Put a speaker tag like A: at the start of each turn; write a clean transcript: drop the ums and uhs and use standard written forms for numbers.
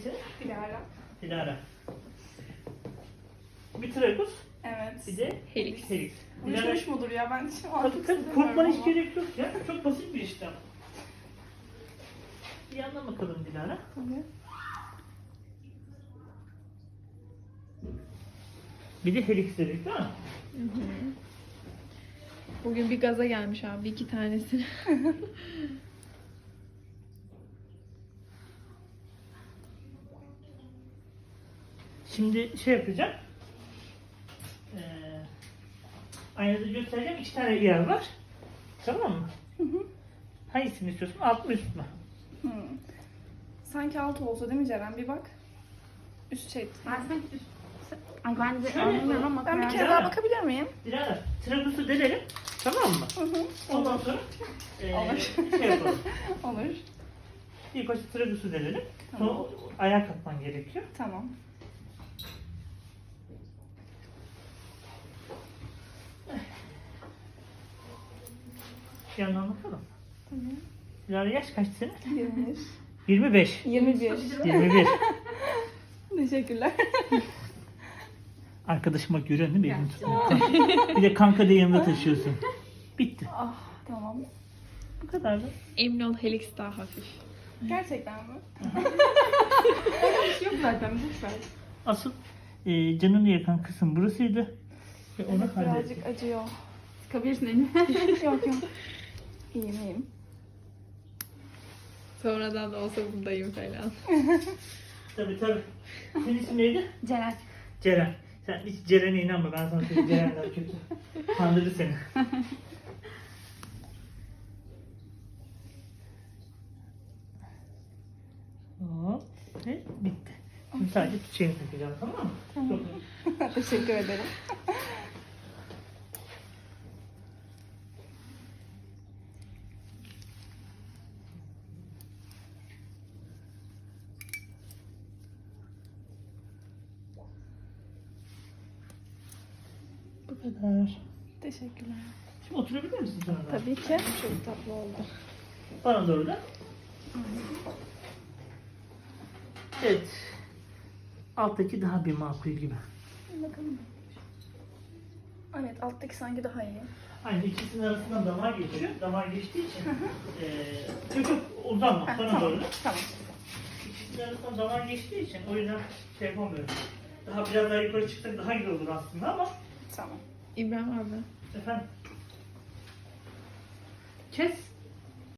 A: senin?
B: Dilara.
A: Dilara. Bir tragus,
B: Evet.
A: bir de
C: Helix.
A: helix.
B: Uyuşmuş mudur ya? Ben şu an
A: Tabii tabii korkmana hiç gerek yok ya. Çok basit bir işlem. Bir yandan bakalım Dilara.
B: Tabii.
A: Bir de helix dedik değil mi?
C: Hı hı. Bugün bir gaza gelmiş abi 2 tanesini.
A: Şimdi şey yapacağım. Aynada göstereceğim. 2 tane yer var. Tamam mı?
B: Hı hı.
A: Hangisini istiyorsun? Alt mı üst mü?
B: Hı. Sanki altı olsa değil mi Ceren? Bir bak. Üst şey.
D: Ben sanki Ay ben de
A: Şöyle
D: anlamıyorum
A: yapalım.
D: ama
B: Ben bir
D: karar-
B: kere
A: Dilara.
B: daha bakabilir miyim?
A: Dilara, tragusu delelim. Tamam mı?
B: Hı hı.
A: Ondan sonra
B: Olur.
A: şey yapalım.
B: Olur.
A: İlk başta tragusu delelim.
B: Tamam.
A: Sonra ayağa kalkman gerekiyor.
B: Tamam.
A: Bir yandan bakalım.
B: Tamam.
A: Dilara yaş kaç senin?
B: 21.
A: 25.
B: 21.
A: 21.
B: Teşekkürler.
A: Arkadaşıma görüyorsun değil mi? Elini tutmaktan. Bir de kanka diye yanında taşıyorsun. Bitti.
B: Ah tamam.
A: Bu kadar da.
C: Emin ol Helix daha hafif.
B: Gerçekten mi?
D: Yok zaten boş ver.
A: Asıl canını yakan kısım burasıydı. Ve onu
B: Evet,
A: hallettik.
B: birazcık acıyor.
D: Sıkabilirsin elini.
B: Yok yok. İyiyim iyiyim.
C: Sonradan da olsa buradayım falan.
A: Tabii tabii. Senin ismin neydi?
D: Ceren.
A: Ceren. Sen hiç Ceren'e inanma. Ben sana söyleyeyim Ceren'den kötü. Kandırdı seni. Hop. Ve bitti. Şimdi sadece çiçeğini takacağım, tamam mı? Çok iyi.
B: Teşekkür ederim.
A: Bu kadar.
B: Teşekkürler.
A: Şimdi oturabilir misin sonra? da?
B: Tabii ki. Çok tatlı oldu.
A: Bana doğru da. Evet. Alttaki daha bir makul gibi.
B: Bakalım. Evet alttaki sanki daha iyi.
A: Aynı ikisinin arasından damar geçiyor. Damar geçtiği için çok uzanma. Bana
B: Tamam.
A: doğru.
B: Tamam.
A: İkisinin arasından damar geçtiği için o yüzden şey yapamıyorum. Daha biraz daha yukarı çıksak daha iyi olur aslında ama
B: Tamam.
C: İbrahim abi.
A: efendim. Kes.